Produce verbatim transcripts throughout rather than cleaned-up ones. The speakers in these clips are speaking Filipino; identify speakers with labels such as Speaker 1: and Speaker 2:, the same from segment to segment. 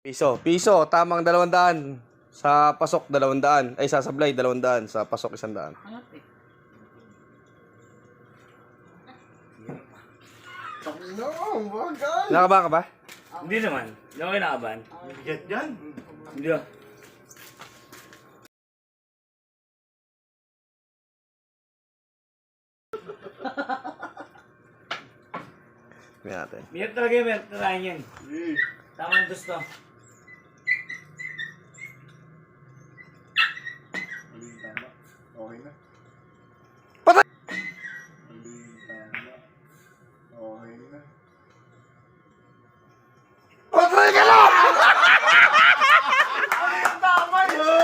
Speaker 1: Piso. Piso. Tamang dalawang daan. Sa pasok, dalawang daan. Ay, sa sablay, dalawang daan. Sa pasok, isang daan.
Speaker 2: No, bagal.
Speaker 1: Nakaba ka ba?
Speaker 3: Hindi naman. Hindi ako kinakabahan.
Speaker 2: Bigat yan.
Speaker 3: Hindi ah.
Speaker 1: Tingnan natin.
Speaker 3: Miyat talaga yung miyat na yan.
Speaker 2: Eh,
Speaker 3: Tama ang gusto.
Speaker 2: mali yung tama. Okay na.
Speaker 1: Patay!
Speaker 2: Mali yung tama. Okay na.
Speaker 1: Patay ka lang!
Speaker 2: Tama yun!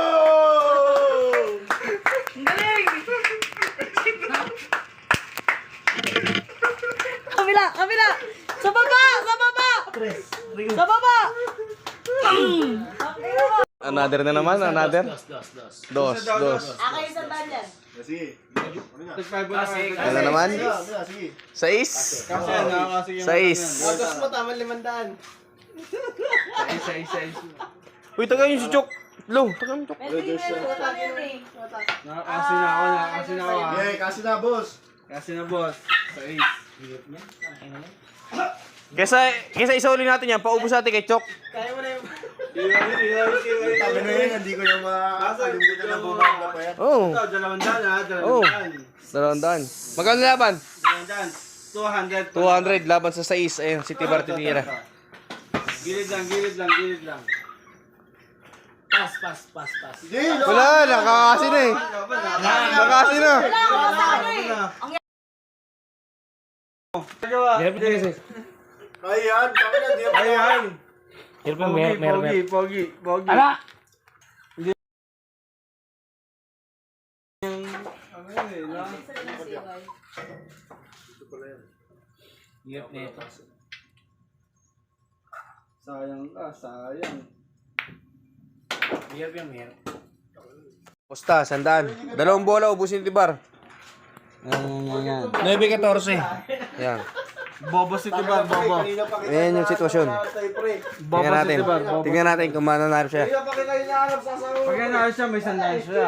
Speaker 4: Kabila! Kabila! Sa baba! Sa baba! Sa baba!
Speaker 1: Another na naman, another.
Speaker 3: Dos, dos, dos.
Speaker 1: Dos, dos.
Speaker 4: Ako yung sandal yan.
Speaker 2: Sige. Ano nga?
Speaker 3: Kasi,
Speaker 1: Ano na naman?
Speaker 2: Sige, sige, sige.
Speaker 1: Sais.
Speaker 5: Kasi ano, kasi yung...
Speaker 1: Sais.
Speaker 2: Agas mo, tama limandaan.
Speaker 5: Isa, isa, isa.
Speaker 1: Uy, taga yung si Chok. Lo, taga yung Chok.
Speaker 4: Pwede yung sandal yan eh.
Speaker 5: Nakakasi na ako, nakakasi na ako. ah.
Speaker 2: Eh, kasi na, boss.
Speaker 5: Kasi na boss. Sa ace.
Speaker 1: Kesa, kesa isauli natin yan, paubos natin kay Chok.
Speaker 5: Iwari, iwari, iwari.
Speaker 2: Tabi na yun, hindi ko na makakalimutan na bumaba pa yan.
Speaker 1: Oo.
Speaker 5: Ito, dalawang daan ha,
Speaker 1: Oo.
Speaker 5: dalawang daan.
Speaker 1: Dalawang daan. Magkano laban?
Speaker 5: Dalawang daan. two hundred.
Speaker 1: two hundred laban sa sais. Ayun, si Tibar tinira.
Speaker 5: Gilid lang, gilid lang, gilid lang.
Speaker 3: Pas, pas, pas, pas.
Speaker 2: Sige, no.
Speaker 1: Wala, nakakasi na eh. Nakakasi na.
Speaker 4: Wala ako sa ano eh. Ang
Speaker 3: Meron pa kasi.
Speaker 2: Ayan, tama na, di ba?
Speaker 5: Ayan.
Speaker 3: Meron pa,
Speaker 5: Pogi,
Speaker 3: meron, meron.
Speaker 5: pogi, pogi, pogi.
Speaker 3: Ala!
Speaker 5: Ano yun eh, no?
Speaker 3: Hirap na ito.
Speaker 5: Sayang ka, sayang.
Speaker 3: Hirap yung meron.
Speaker 1: Pusta, sandaan. Dalawang bola, ubusin ni Tibar.
Speaker 5: Yan, yan, yan.
Speaker 1: nine fourteen. Yan.
Speaker 5: Bobo si Tibar, bobo.
Speaker 1: Ayan yung sitwasyon.
Speaker 5: Bobo
Speaker 1: Tingnan
Speaker 5: si
Speaker 1: natin.
Speaker 5: Tibar, bobo.
Speaker 1: Tingnan natin kung mananalo siya.
Speaker 2: Kaya pa kita hinahanap sa asawa ko.
Speaker 5: Pag yan siya, may sandaan siya.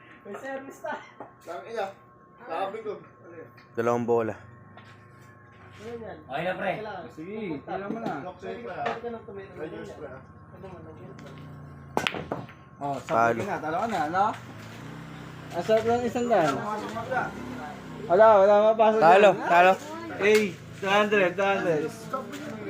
Speaker 2: Sabi niya, sabi ko. Ano yun?
Speaker 1: Dalawang bola.
Speaker 3: Okay na pre.
Speaker 5: Sige, tira mo na.
Speaker 2: Lock sa'yo pa. Medyo spray, ah.
Speaker 5: Oh,
Speaker 1: Talo.
Speaker 5: sabi ka na, talo ka na, no? Asarap lang isang daan. Wala, wala mapasok
Speaker 1: Talo,
Speaker 5: dyan.
Speaker 1: talo.
Speaker 5: Eh, two hundred, two hundred.